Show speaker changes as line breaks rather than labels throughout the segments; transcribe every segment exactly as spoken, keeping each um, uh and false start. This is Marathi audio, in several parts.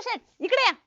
शेट इकडे या.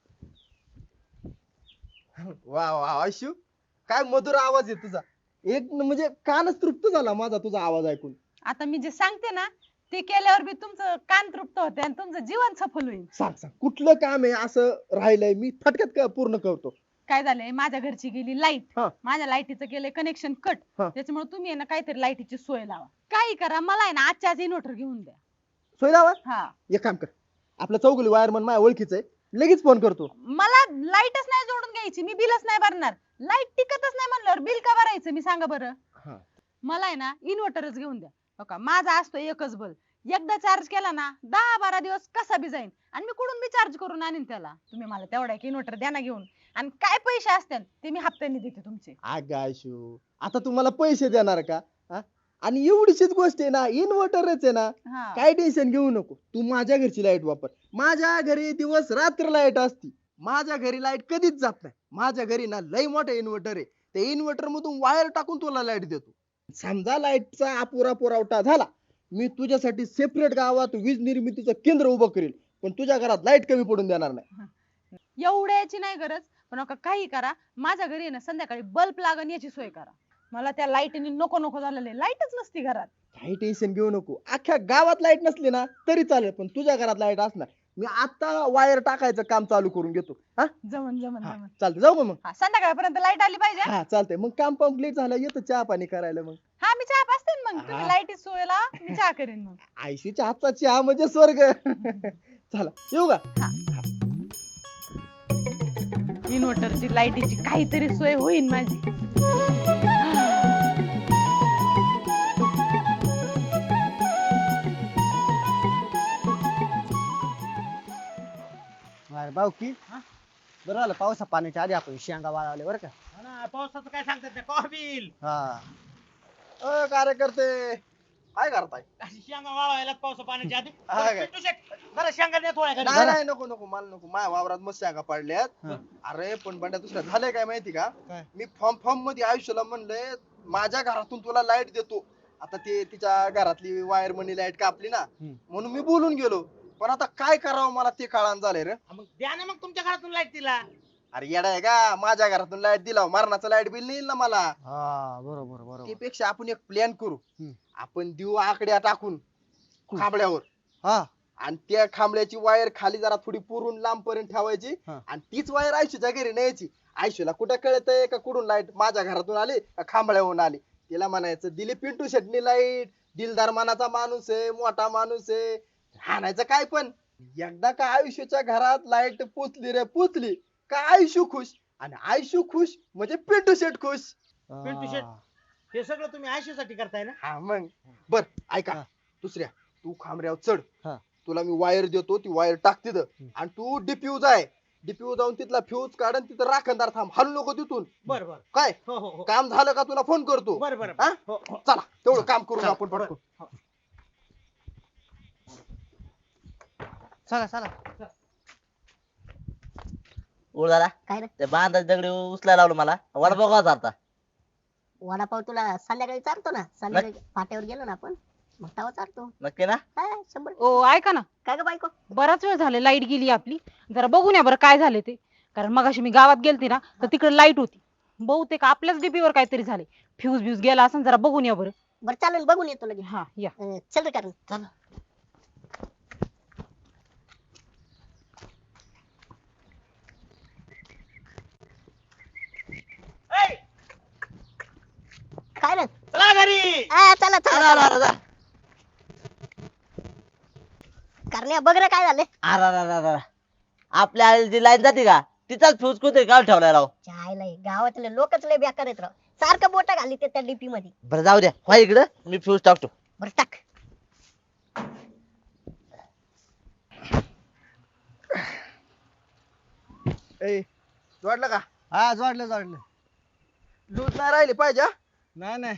वा वा आयशू, काय मधुर आवाज आहे तुझा. एक म्हणजे कानच तृप्त झाला माझा तुझा आवाज ऐकून.
आता मी जे सांगते ना ते केल्यावर बी तुमचं कान तृप्त होते आणि तुमचं जीवन सफल होईल.
सांग सांग कुठलं काम आहे असं राहिलंय मी फटक्यात का पूर्ण करतो.
काय झालंय, माझ्या घरची गेली लाईट,
हा.
माझ्या लाईटीचं केलंय कनेक्शन कट.
हा.
त्याच्यामुळे तुम्ही आहे ना काहीतरी लाईटीची सोय लावा. काही करा, मला आहे ना आजच्या आज इन्व्हर्टर घेऊन द्या.
सोय लावा.
हा,
एक काम कर, आपलं चौगुली वायरमन माझ्या ओळखीचं आहे, लगेच फोन करतो.
मला लाईटच नाही जोडून घ्यायची, मी बिलच नाही भरणार. लाईट टिकतच नाही म्हणल्यावर बिल का भरायचं मी सांगा बरं.
हा.
मला आहे ना इन्व्हर्टरच घेऊन द्या. हो का, माझा असतो एकच बल्ब, एकदा चार्ज केला ना दहा बारा दिवस कसा बी जाईन आणि मी कुठून बी चार्ज करून आणीन त्याला. तुम्ही मला तेवढा एक इन्व्हर्टर द्या ना घेऊन, आणि काय पैसे असतील ते मी हप्त्याने देते तुमचे.
अगं आयशू, आता तुम्हाला पैसे देणार का हा? आणि एवढीशीच गोष्ट आहे ना, इन्व्हर्टरच आहे ना,
हा.
काय टेन्शन घेऊ नको. तू माझ्या घरची लाईट वापर. माझ्या घरी दिवस रात्र लाईट असती. माझ्या घरी लाईट कधीच जात नाही. माझ्या घरी ना लय मोठं इन्व्हर्टर आहे. ते इन्व्हर्टर मधून वायर टाकून तुला लाईट देतो. समजा लाईटचा अपुरा पुरवठा झाला, मी तुझ्यासाठी सेपरेट गावात वीज निर्मितीचं केंद्र उभं करेल, पण तुझ्या घरात लाईट कमी पडून देणार नाही.
एवढ्याची नाही गरज, पण नका काही करा. माझ्या घरी आहे ना संध्याकाळी बल्ब लागन याची सोय करा. मला त्या लाईटीने नको नको झालेले, लाईटच नसती घरात.
काही टेन्शन घेऊ नको. अख्ख्या गावात लाईट नसली ना तरी चालेल, पण तुझ्या घरात लाईट असणार. मी आता वायर टाकायचं काम चालू करून घेतो. हा
जमन जमन जमन.
चालतंय, जाऊ का मग.
हा, संध्याकाळपर्यंत लाईट आली पाहिजे.
हा चालतंय, मग काम कम्प्लीट झालं येतो चहा पाणी करायला. मग
हा, मी चहा पाचते ना मग. तुम्ही
हा.
लाईटी सोय लावा, मी चहा करेन मग.
आयशीच्या हातचा चहा म्हणजे स्वर्ग. चला येऊ का.
इन्व्हर्टरची लाईटीची काहीतरी सोय होईल माझी.
अरे भाऊ की बरं झालं पावसा पाण्याच्या आधी आपण शेंगा वाळवले बरं का.
हा ना, पावसाचं काय सांगतात ते कॉबिल
हा
अ कार्यकर्ते काय करताय.
अशी शेंगा वाळवायला पावसा पाण्याच्या आधी.
हा काय?
पिंटू शेट, जरा शेंगा द्या थोड्या घरी.
नाही नाही नको नको मला नको. माझ्या वावरात मस्त शेंगा पडल्यात.
हा.
अरे पण बंड्या दुसऱ्या झालंय काय माहिती का.
काय?
मी फॉर्म फॉर्म मध्ये आयुष्याला म्हणलंय माझ्या घरातून तुला लाईट देतो. आता ते तिच्या घरातली वायर मनी लाईट कापली ना,
हम्म.
म्हणून मी बोलून गेलो. पण आता काय करावं मला ते कळान झालंय रे.
हा, मग द्या ना मग तुमच्या घरातून लाईट तिला.
अरे येडा आहे का, माझ्या घरातून लाईट दिला मरणाचं लाईट बिल नाही येईल ना मला.
हा बरोबर बरोबर.
त्यापेक्षा आपण एक प्लॅन करू.
हम्म.
आपण देऊ आकड्या टाकून खांबड्यावर,
हा
आणि त्या खांबड्याची वायर खाली जरा थोडी पुरून लांब पर्यंत ठेवायची,
हा.
आणि तीच वायर आयशूच्या घरी न्यायची. आयशूला कुठं कळतंय का कुठून लाईट माझ्या घरातून आली का खांबड्यावरून आली. तिला म्हणायचं दिली पिंटू शेटनी लाईट, दिलदार मनाचा माणूस आहे, मोठा माणूस आहे, हाणायचं काय पण. एकदा का आयुष्याच्या घरात लाईट पोचली रे पोचली का आयुष्य खुश, आणि आयुष्य खुश म्हणजे पिंटू शेट खुश.
पिंटू शेट. हे सगळं तुम्ही आयशूसाठी करताय ना.
हा मग बर ऐका.
हा.
दुसऱ्या तू खांबऱ्यावर चढ.
हा.
तुला मी वायर देतो, ती वायर टाक तिथं,
हम्म.
आणि तू डिफ्यूज आहे, डिफ्यूज जाऊन तिथला फ्यूज काढ आणि तिथं राखणदार थांब, हलू नको तिथून.
बर बर.
काय
हो हो हो.
काम झालं का तुला फोन करतो.
बर बर.
हा?
हो हो.
चला तेवढं काम करून
चला,
आपण
बरं.
पटकन.
चला चला.
उळदादा
काय रे
ते बांधा दगडी उचलायला लावलं मला. वडापाव का चालता
वडापाव तुला संध्याकाळी चालतो ना. संध्याकाळी फाट्यावर गेलो ना आपण, मग तेव्हा चालतो.
नक्की ना.
काय शंभर.
ओ ऐका ना,
काय ग बायको.
बराच वेळ झाले लाईट गेली आपली. जरा बघून या बरं काय झाले ते. कारण मगाशी मी गावात गेलते ना तर तिकडे लाईट होती. बहुतेक आपल्याच डीपीवर काहीतरी झाले, फ्यूज ब्यूज गेला असं. जरा बघून या बरं.
बरं चालेल, बघून येतो लगेच.
हा या.
अं, चल रे कारण चल.
ए,
काय रे.
चला घरी.
आ, चला
आला,
चला
आला, आला.
करण्या बघ रे काय झाले.
अरे, अरे, अरे, अरे. आपल्या आलेली जी लाईन जाते का तिचाच फ्यूज कुठे काढून ठेवलाय राव.
चायला गावातले लोकच लय बेकार आहेत राव. सारखं बोट घाली ते त्या डीपी मध्ये.
बरं जाऊ द्या, व्हा इकडं मी फ्यूज टाकतो.
बरं टाक.
ए जोडलं का.
हा जोडलं जोडलं.
लूज नाही राहिली पाहिजे हा?
नाही नाही.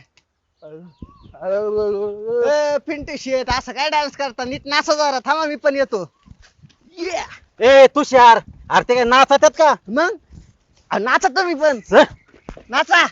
अरे,
ए, पिंटू शेट असं काय डान्स करता, नीट नाचा जरा. थांबा मी पण येतो.
yeah.
ए तुषार, अरे ते काय नाचतात का.
मग अ, नाचा तुम्ही पण नाचा.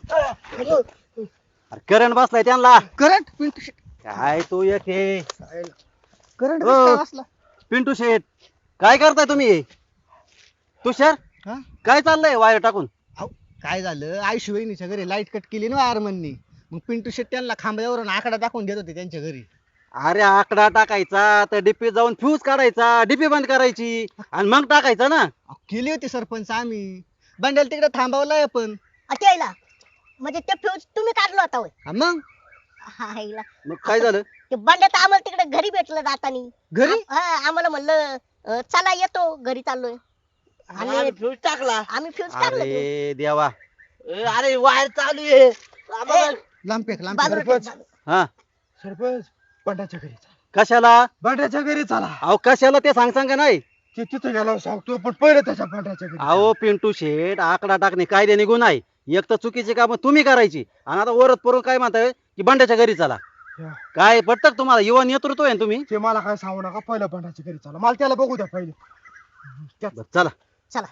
करंट बसलाय त्यांना.
करंट पिंटू शेट.
काय तू एक हे
करंट
हो.
काय बसला.
पिंटू शेट,
काय करताय तुम्ही तुषार
हा?
काय चाललंय वायर टाकून
काय झालं आयुष्य वहिनीच्या घरी लाईट कट केली ना वायरमननी. मग पिंटू शेट त्यांना खांब्यावरून आकडा टाकून देत होते त्यांच्या घरी.
अरे आकडा टाकायचा तर डीपी जाऊन फ्यूज काढायचा डीपी बंद करायची आणि मग टाकायचा ना.
अहो, केली होती सरपंच आम्ही. बंड्याला तिकडे थांबवलाय पण.
अटेला म्हणजे ते फ्यूज तुम्ही काढलो होता होय?
हा मग
हायला.
मग काय झालं
ते बंड्या तर आम्हाला तिकडे घरी भेटलं जातानी.
घरी
हा, आम्हाला म्हणलं अं, चला येतो घरी चाललोय.
आणि फ्यूज टाकला
आम्ही फ्यूज काढलं ते.
अरे देवा
ए, अरे वायर चालू आहे आम्हाला-
लांब फेक लांब
बाजूला
फेक.
ठेव, बाजूला.
हा
सरपंच बंड्याच्या घरी चला
कशाला
बंड्याच्या घरी चला
अहो कशाला ते सांग सांगा नाही.
ते तिथे गेला सांगतो पण पहिलं त्याच्या बंड्याच्या घरी
अहो पिंटू शेठ आकडा टाकणे कायद्याने गुन्हा आहे. एक तर चुकीची कामं तुम्ही करायची आणि आता वरत परून काय म्हणताय की बंड्याच्या घरी चला.
या.
काय पटत का तुम्हाला युवा नेतृत्व आहे ना तुम्ही.
ते मला काय सांगू नका पहिलं बंड्याच्या घरी चला मला त्याला बघू द्या पहिले
बरं, चला
चला.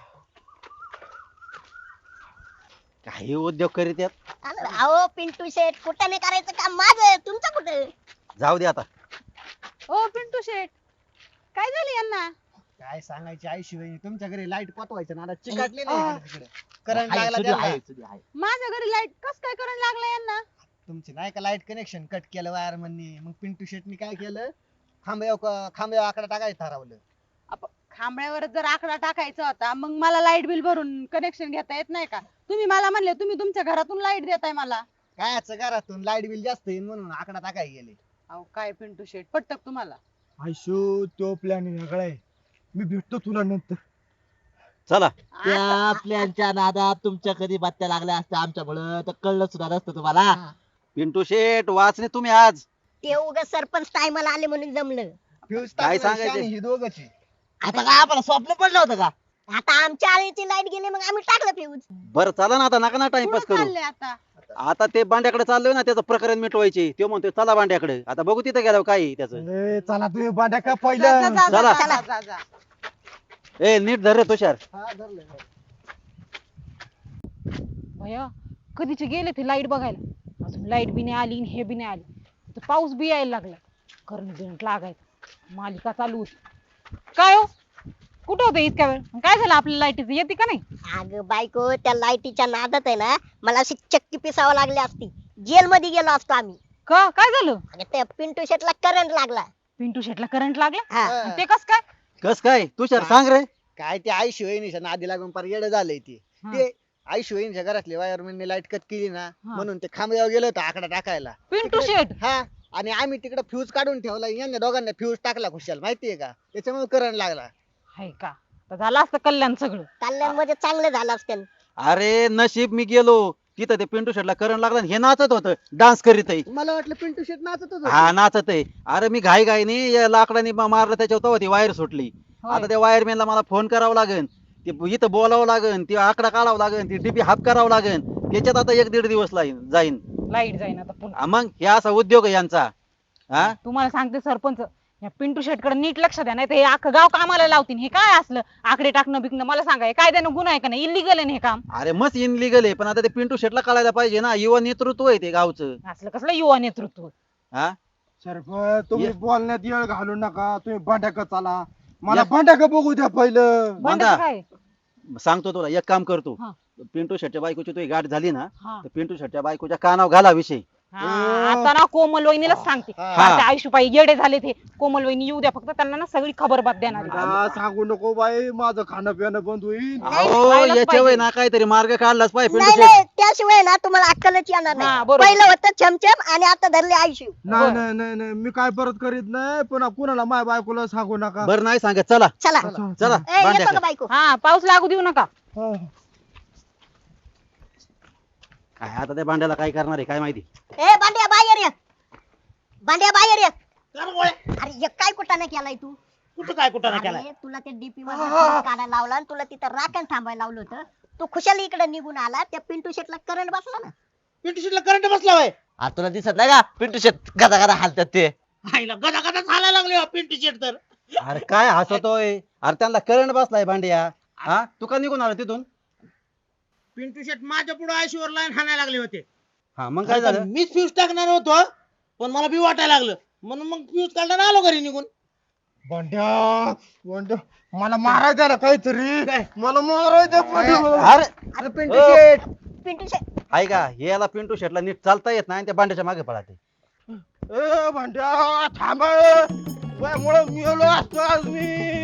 काही उद्योग करीत आहेत.
आलं. अहो पिंटू शेट कुठं नाही करायचं काम माझं तुमचं कुठं.
जाऊ दे आता.
ओ पिंटू शेट काय झालं यांना?
काय सांगायची आयुष्य वहिनी तुमच्या घरी लाईट पोचवायचं ना आता चिकाटले
आ.
नाही तिकडे. करंट लागला त्याला.
माझ्या घरी लाईट कस काय करंट लागला यांना?
तुमची नाही का लाईट कनेक्शन कट केलं वायरमननी. मग पिंटू शेटनी काय केलं खांब्या खांब्या आकडा टाकायचं ठरवलं.
आप- खांबळ्यावर जर आकडा टाकायचा होता मग मला लाईट बिल भरून कनेक्शन घेता येत नाही का? तुम्ही मला म्हणले तुम्ही तुमच्या घरातून लाईट देताय मला.
कायच घरातून लाईट बिल जास्त येईल म्हणून आकडा टाकाय गेले.
अहो काय पिंटू शेट पटत तुम्हाला?
आयशो तो प्लॅन वेगळा आहे मी भेटतो तुला नंतर
चला त्या प्लॅनच्या नादात तुमच्या कधी बात्या लागल्या असत्या आमच्यामुळं तर कळलं सुद्धा नसतं तुम्हाला.
पिंटू शेठ वाचने तुम्ही आज.
ते उगाच सरपंच टायमाला आले म्हणून जमलं.
फ्यूज
काय
टाकलं
सांगायचं?
शानी ही दोघंच आहे.
आता काय आम्हाला स्वप्न पडलं होतं का.
आता आमच्या आळीची लाईट गेली मग आम्ही टाकलं फ्यूज.
बरं चला ना आता नका ना टाइमपास
कुठं
करू.
चालले आता?
आता ते बांड्याकडे चाललोय ना त्याचं प्रकरण मिटवायचे. तो म्हणतोय चला बांड्याकडे. आता बघू तिथे गेल्यावर काय आहे त्याचं.
ए, चला तुम्ही बंड्या का
जा, जा,
पहिलं
जा,
चला.
जा, जा, जा.
ए नीट धर रे तुषार.
हा धरलं.
भैया कधीचे गेले ते लाईट बघायला अजून लाईट बी नाही आली आणि हे बी नाही आली. इथं पाऊस बी यायला लागला करंट बिरंट लागायचा मालिका चालू होती. काय हो कुठं होतं इतक्या वेळ? काय झालं आपल्या लाईटीचं येते का नाही?
अगं बायको त्या लाईटीच्या नादात आहे ना मला अशी चक्की पिसावं लागली असती. जेल मध्ये गेलो असतो आम्ही.
का काय झालं?
अगं त्या पिंटू शेटला करंट लागला.
पिंटू शेटला करंट लागला?
हा.
आणि ते कस काय?
कस काय तुषार सांग रे.
काय ते आयुष्य वहिनीच्या नादी लागून पार येडं झालंय ते.
हा.
ते आयुष्य वहिनीच्या घरातले वायरमॅनने लाईट कट केली ना
हा.
म्हणून ते खांब्यावर गेलो होतो आकडा टाकायला.
पिंटू शेट
हा आणि आम्ही तिकडे फ्यूज काढून ठेवला यांनी दोघांना फ्यूज टाकला खुशाल माहितीये का त्याच्यामुळे करंट लागला.
हाय का? तर झालं असतं कल्याण सगळं.
कल्याण मध्ये चांगलं झालं असतं.
अरे नशीब मी गेलो तिथं ते पिंटू शेटला करंट लागला आणि हे नाचत होतं डान्स करीत आहे.
मला वाटलं पिंटू शेट नाचत होतो.
हा नाचत आहे. अरे मी घाई घाईने या लाकडाने मा- मारलं त्याच्यावर तेव्हा ती वायर सुटली.
होय.
आता त्या वायरमॅनला मला फोन करावा लागेल. ते इथं बोलावं लागेल ती आकडा काढावं लागेल ती डीपी हाफ करावं लागेल. त्याच्यात आता एक दीड दिवस लाईन जाईन.
लाईट जाईन आता पुन्हा.
हा, मग हे असा उद्योग आहे यांचा. हा
तुम्हाला सांगते सरपंच या पिंटू शेटकडे नीट लक्ष द्या नाही तर हे अख्खं गाव कामाला लावतील. हे काय असलं आकडे टाकणं बिकणं मला सांगा हे कायद्यानं गुन्हा आहे का नाही? इलिगल आहे ना हे काम.
अरे मस्त इनलिगल आहे पण आता ते पिंटू शेटला कळायला पाहिजे ना युवा नेतृत्व आहे ते गावचं.
असलं कसलं युवा नेतृत्व.
हा
सरपंच तुम्ही
ये.
बोलण्यात येळ घालू नका तुम्ही बंड्याक चला मला
या.
बंड्याक बघू द्या पहिलं
बंडाचं काय?
सांगतो तुला एक काम करतो.
हा.
पिंटू शेटच्या बायकोची तुझी गाठ झाली ना
हा.
तर पिंटू शेटच्या बायकोच्या कानावर घाला विषय.
हा, आता ना कोमल वहिनीलाच सांगते.
हा.
आयुष्यपाई येडे झाले ते. कोमल वहिनी येऊ द्या फक्त त्यांना ना सगळी खबर बात देणार आहे.
मला सांगू नको बाई माझं खाणं पिणं बंद होईल
अहो
व्हायलाच
याच्या
पाहिजे.
वय ना काहीतरी मार्ग काढलाच पाहिजे पिंटू
नाही
शेट.
नाही त्याशिवाय ना तुम्हाला अक्कलच येणार
हा,
नाही.
बरोबर.
पहिलं होतं छमछम आणि आता धरले आयुष्य.
नाही नाही नाही नाही मी काय परत करीत नाही पुन्हा कुणाला माय बायकोला सांगू नका
बरं नाही सांगत चला
चला
चला
ए, येतो का
बांड्याकडे.
बायको?
हा पाऊस लागू देऊ नका.
हा.
काय आता त्या भांड्याला काय करणार आहे काय माहिती.
ए बांड्या बाहेर ये. बांड्या बाहेर ये.
कर गोळ्या.
अरे हे काय कुठाने केलाय तू?
कुठं काय कुठं नाही केलाय?
अरे तुला ते डीपी मध्ये फ्यूज काढायला लावला आणि तुला तिथं राखण थांबायला लावलं होतं. तू खुशाली इकडे निघून आला त्या पिंटू शेटला करंट बसला ना.
पिंटू शेटला करंट बसला होय.
आ तुला दिसत नाही का पिंटू शेट गदा गदा हालतात ते.
आईला गदा गदा चालायला लागले हो पिंटू शेट तर.
अरे काय हसतोय. अरे त्यांना करंट बसलाय भांड्या. हा तू का निघून आला तिथून.
पिंटू शेट माझ्या पुढे आयशीवर लाईन हाणायला लागले होते.
हा मग काय झालं.
मीच फ्यूज टाकणार होतो पण मला बी वाटायला लागलं म्हणून मग फ्यूज काढताना आलो घरी निघून.
बंड्या बंड्या मला मारायचं ना काहीतरी मला मारायचं बंड्या.
अरे
अरे पिंटू शेट
पिंटू शेट
आहे का याला पिंटू शेटला नीट चालता येत नाही आणि त्या बांड्याच्या मागे पळाते
ए बंड्या थांब मुळे मिळलो असतो आज मी